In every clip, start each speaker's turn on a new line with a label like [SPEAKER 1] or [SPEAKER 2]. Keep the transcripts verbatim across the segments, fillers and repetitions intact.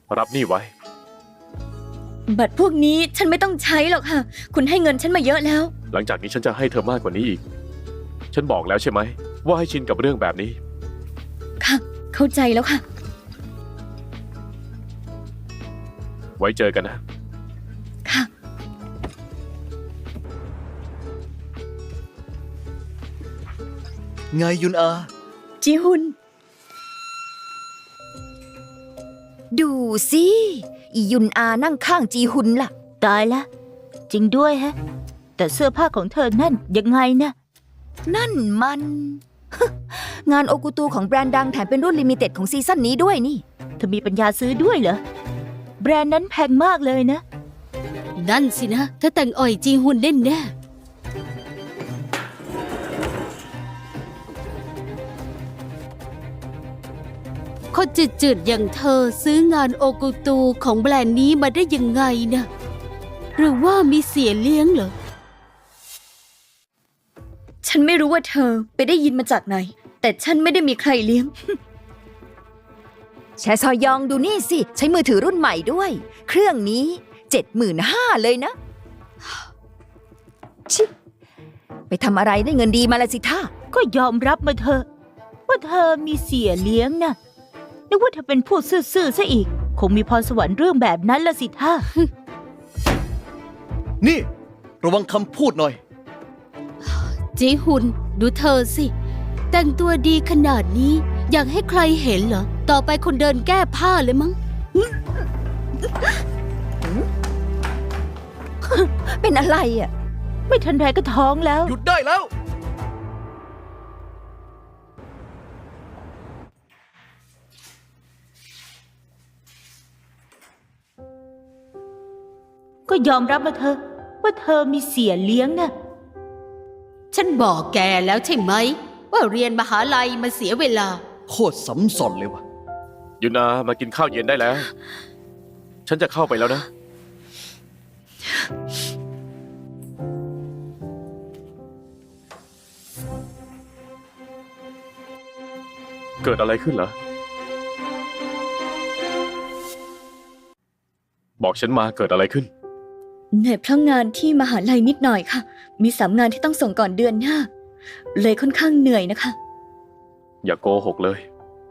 [SPEAKER 1] รับนี่ไว้
[SPEAKER 2] บัตรพวกนี้ฉันไม่ต้องใช้หรอกค่ะคุณให้เงินฉันมาเยอะแล้ว
[SPEAKER 1] หลังจากนี้ฉันจะให้เธอมากกว่านี้อีกฉันบอกแล้วใช่ไหมว่าให้ชินกับเรื่องแบบนี้
[SPEAKER 2] ค่ะเข้าใจแล้วค่ะ
[SPEAKER 1] ไว้เจอกันนะ
[SPEAKER 2] ค่ะ
[SPEAKER 3] ไงยุนอา
[SPEAKER 2] จีฮุน
[SPEAKER 4] ดูสิอียุนอานั่งข้างจีฮุนล่ะ
[SPEAKER 5] ตายละจริงด้วยฮะแต่เสื้อผ้าของเธอนั่นยังไงนะ
[SPEAKER 4] นั่นมัน งานโอกุตูของแบรนด์ดังแถมเป็นรุ่นลิมิเต็ดของซีซั่นนี้ด้วยนี่
[SPEAKER 5] เธอมีปัญญาซื้อด้วยเหรอแบรนด์นั้นแพงมากเลยนะ
[SPEAKER 6] นั่นสินะเธอแต่งอ่อยจีฮุนแน่แน่คนจืดๆอย่างเธอซื้องานโอกุตูของแบรนด์นี้มาได้ยังไงนะหรือว่ามีเสียเลี้ยงเหรอ
[SPEAKER 2] ฉันไม่รู้ว่าเธอไปได้ยินมาจากไหนแต่ฉันไม่ได้มีใครเลี้ยง
[SPEAKER 4] แชซอยองดูนี่สิใช้มือถือรุ่นใหม่ด้วยเครื่องนี้เจ็ดหมื่นห้าเลยนะชิไปทำอะไรได้เงินดีมาละสิท่า
[SPEAKER 5] ก็ยอมรับมาเถอะว่าเธอมีเสียเลี้ยงนะนึกว่าเธอเป็นผู้ซื่อๆซะอีกคงมีพรสวรรค์เรื่องแบบนั้นละสิท่า
[SPEAKER 3] นี่ระวังคำพูดหน่อย
[SPEAKER 6] จีฮุนดูเธอสิแต่งตัวดีขนาดนี้อยากให้ใครเห็นเหรอต่อไปคนเดินแก้ผ้าเลยมั้ง
[SPEAKER 4] เป็นอะไรอ่ะ
[SPEAKER 5] ไม่ทันไรก็ท้องแล้ว
[SPEAKER 3] หยุดได้แล้ว
[SPEAKER 5] ก็ยอมรับมาเถอะว่าเธอมีเสียเลี้ยงนะ
[SPEAKER 6] ฉันบอกแกแล้วใช่ไหมว่าเรียนมหาลัยมันเสียเวลา
[SPEAKER 3] โคตรซ้ำซ้อนเลยวะ
[SPEAKER 1] ยุนามากินข้าวเย็นได้แล้วฉันจะเข้าไปแล้วนะเกิดอะไรขึ้นเหรอบอกฉันมาเกิดอะไรขึ้น
[SPEAKER 2] เหนื่อยเพราะงานที่มหาลัยนิดหน่อยค่ะมีสามงานที่ต้องส่งก่อนเดือนหน้าเลยค่อนข้างเหนื่อยนะคะ
[SPEAKER 1] อย่าโกหกเลย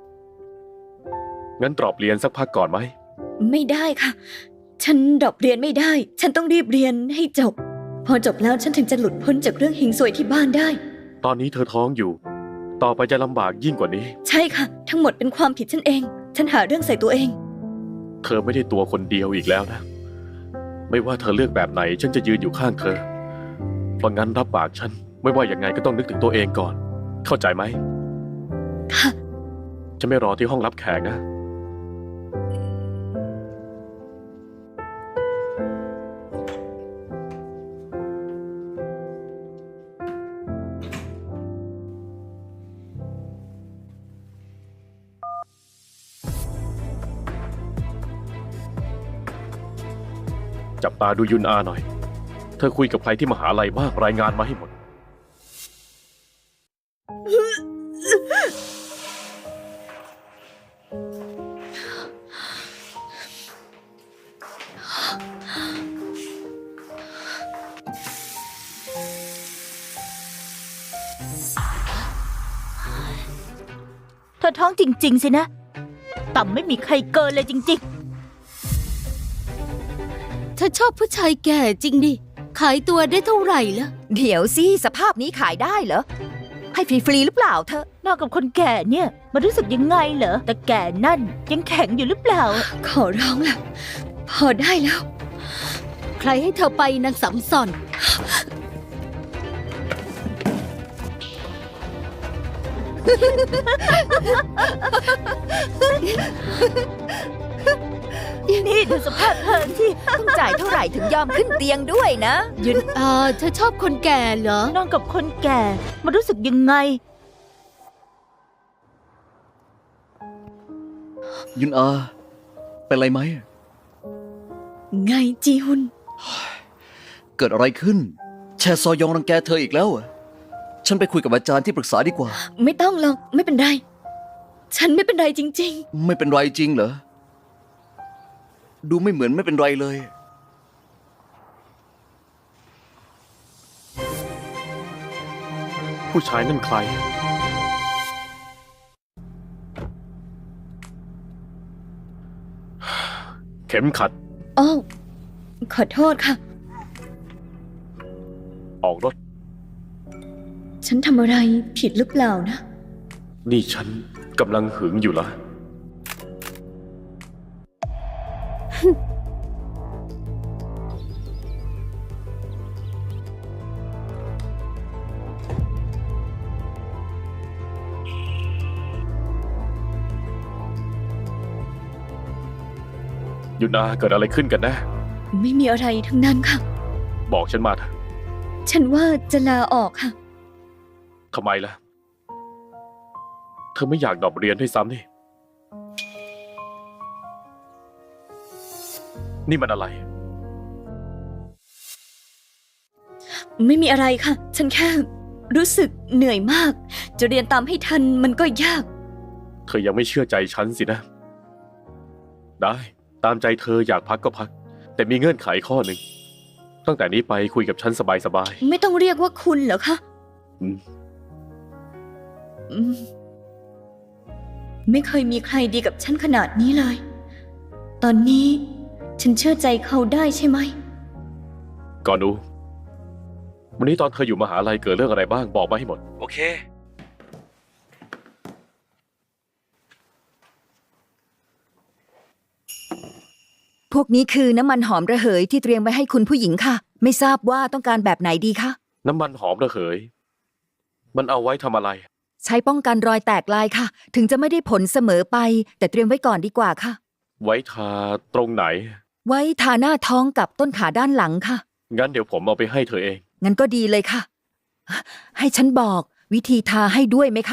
[SPEAKER 1] งั้นตรอบเรียนสักพักก่อนไหม
[SPEAKER 2] ไม่ได้ค่ะฉันดรอปเรียนไม่ได้ฉันต้องรีบเรียนให้จบพอจบแล้วฉันถึงจะหลุดพ้นจากเรื่องหิงซวยที่บ้านได้
[SPEAKER 1] ตอนนี้เธอท้องอยู่ต่อไปจะลำบากยิ่งกว่านี้
[SPEAKER 2] ใช่ค่ะทั้งหมดเป็นความผิดฉันเองฉันหาเรื่องใส่ตัวเอง
[SPEAKER 1] เธอไม่ได้ตัวคนเดียวอีกแล้วนะไม่ว่าเธอเลือกแบบไหนฉันจะยืนอยู่ข้างเธอเพราะงั้นรับปากฉันไม่ว่าอย่างไงก็ต้องนึกถึงตัวเองก่อนเข้าใจไหม
[SPEAKER 2] ค่ะ
[SPEAKER 1] ฉันไม่รอที่ห้องรับแขกนะจับตาดูยุนอาหน่อยเธอคุยกับใครที่มหาลัยบ้างรายงานมาให้หมด
[SPEAKER 5] เธอท้องจริงๆสินะต่ำไม่มีใครเกินเลยจริงๆ
[SPEAKER 6] เธอชอบผู้ชายแก่จริงดิขายตัวได้เท่าไหร่ล่ะ
[SPEAKER 4] เดี๋ยวสิสภาพนี้ขายได้เหรอให้ฟรีๆหรือเปล่าเธอน
[SPEAKER 5] อกกับคนแก่เนี่ยมันรู้สึกยังไงเหรอแต่แก่นั่นยังแข็งอยู่หรือเปล่า
[SPEAKER 2] ขอร้องล่ะพอได้แล้ว
[SPEAKER 6] ใครให้เธอไปนางสำส่อน
[SPEAKER 5] นี่ดูสภาพเธอที่
[SPEAKER 4] ต้องจ่ายเท่าไหร่ถึงยอมขึ้นเตียงด้วยนะ
[SPEAKER 6] ยุนอาเธอชอบคนแก่เหรอน
[SPEAKER 5] อนกับคนแก่มันรู้สึกยังไง
[SPEAKER 3] ยุนอาเป็นไรไหม
[SPEAKER 2] ไงจีฮุน
[SPEAKER 3] เกิดอะไรขึ้นแชซอยองรังแกเธออีกแล้วฉันไปคุยกับอาจารย์ที่ปรึกษาดีกว่า
[SPEAKER 2] ไม่ต้องหรอกไม่เป็นไรฉันไม่เป็นไรจริง
[SPEAKER 3] ๆไม่เป็นไรจริงเหรอดูไม่เหมือนไม่เป็นไรเลย
[SPEAKER 1] ผู้ชายนั่นใคร เข็มขัด
[SPEAKER 2] อ้าวขอโทษค่ะ
[SPEAKER 1] ออกรถ
[SPEAKER 2] ฉันทำอะไรผิดหรือเปล่านะ
[SPEAKER 1] นี่ฉันกำลังหึงอยู่เหรอ หยุดนะเกิดอะไรขึ้นกันแนะ
[SPEAKER 2] ไม่มีอะไรทั้งนั้นค่ะ
[SPEAKER 1] บอกฉันมาเถอะ
[SPEAKER 2] ฉันว่าจะลาออกค่ะ
[SPEAKER 1] ทำไมล่ะ เธอไม่อยากดรอปเรียนด้วยซ้ำนี่ นี่มันอะไร
[SPEAKER 2] ไม่มีอะไรค่ะ ฉันแค่รู้สึกเหนื่อยมาก จะเรียนตามให้ทันมันก็ยาก
[SPEAKER 1] เธอยังไม่เชื่อใจฉันสินะ ได้ ตามใจเธออยากพักก็พัก แต่มีเงื่อนไขข้อหนึ่ง ตั้งแต่นี้ไปคุยกับฉันสบาย
[SPEAKER 2] ไม่ต้องเรียกว่าคุณเหรอคะ
[SPEAKER 1] ๆอืม
[SPEAKER 2] อืมไม่เคยมีใครดีกับฉันขนาดนี้เลย ตอนนี้ฉันเชื่อใจเขาได้ใช่ไหม
[SPEAKER 1] ก่อนดู วันนี้ตอนเธออยู่มหาลัยเกิดเรื่องอะไรบ้างบอกมาให้หมด
[SPEAKER 3] โอเค
[SPEAKER 4] พวกนี้คือน้ำมันหอมระเหยที่เตรียมไว้ให้คุณผู้หญิงค่ะ ไม่ทราบว่าต้องการแบบไหนดีคะ
[SPEAKER 1] น้ำมันหอมระเหย มันเอาไว้ทำอะไร
[SPEAKER 4] ใช้ป้องกันรอยแตกลายค่ะ ถึงจะไม่ได้ผลเสมอไป แต่เตรียมไว้ก่อนดีกว่าค่ะ
[SPEAKER 1] ไว้ทาตรงไหน
[SPEAKER 4] ไว้ทาหน้าท้องกับต้นขาด้านหลังค่ะ
[SPEAKER 1] งั้นเดี๋ยวผมเอาไปให้เธอเอง
[SPEAKER 4] งั้นก็ดีเลยค่ะ ให้ฉันบอกวิธีทาให้ด้วยไหมคะ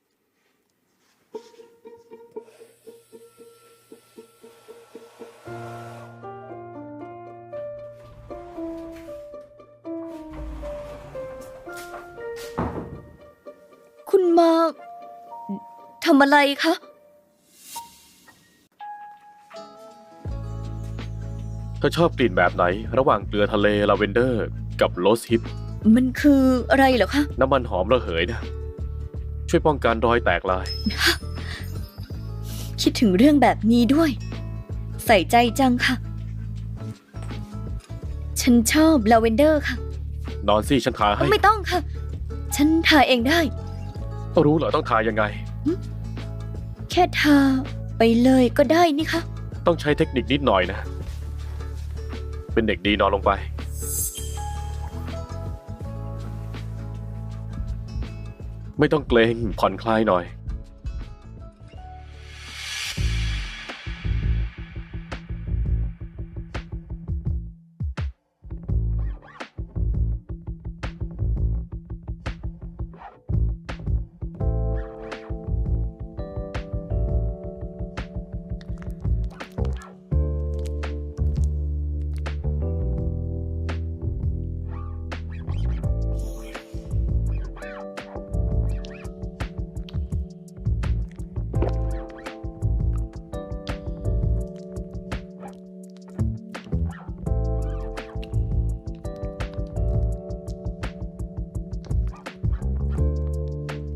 [SPEAKER 2] คุณมาทำอะไรคะ
[SPEAKER 1] เธอชอบกลิ่นแบบไหน ระหว่างเกลือทะเลลาเวนเดอร์ กับโรสฮิป
[SPEAKER 2] มันคืออะไรเหรอคะ
[SPEAKER 1] น้ำมันหอมระเหยนะ ช่วยป้องกันรอยแตกลาย
[SPEAKER 2] คิดถึงเรื่องแบบนี้ด้วย ใส่ใจจังค่ะ ฉันชอบลาเวนเดอร์ค่ะ
[SPEAKER 1] นอนสิฉันทาให้
[SPEAKER 2] ไม่ต้องค่ะ ฉันทาเองได้
[SPEAKER 1] รู้เหรอต้องทายังไง
[SPEAKER 2] แค่ทาไปเลยก็ได้นี่คะ
[SPEAKER 1] ต้องใช้เทคนิคนิดหน่อยนะ เป็นเด็กดีนอนลงไป ไม่ต้องเกรงผ่อนคลายหน่อย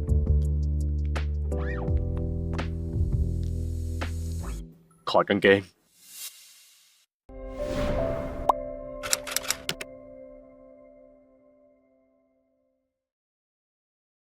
[SPEAKER 1] ถอดกางเกง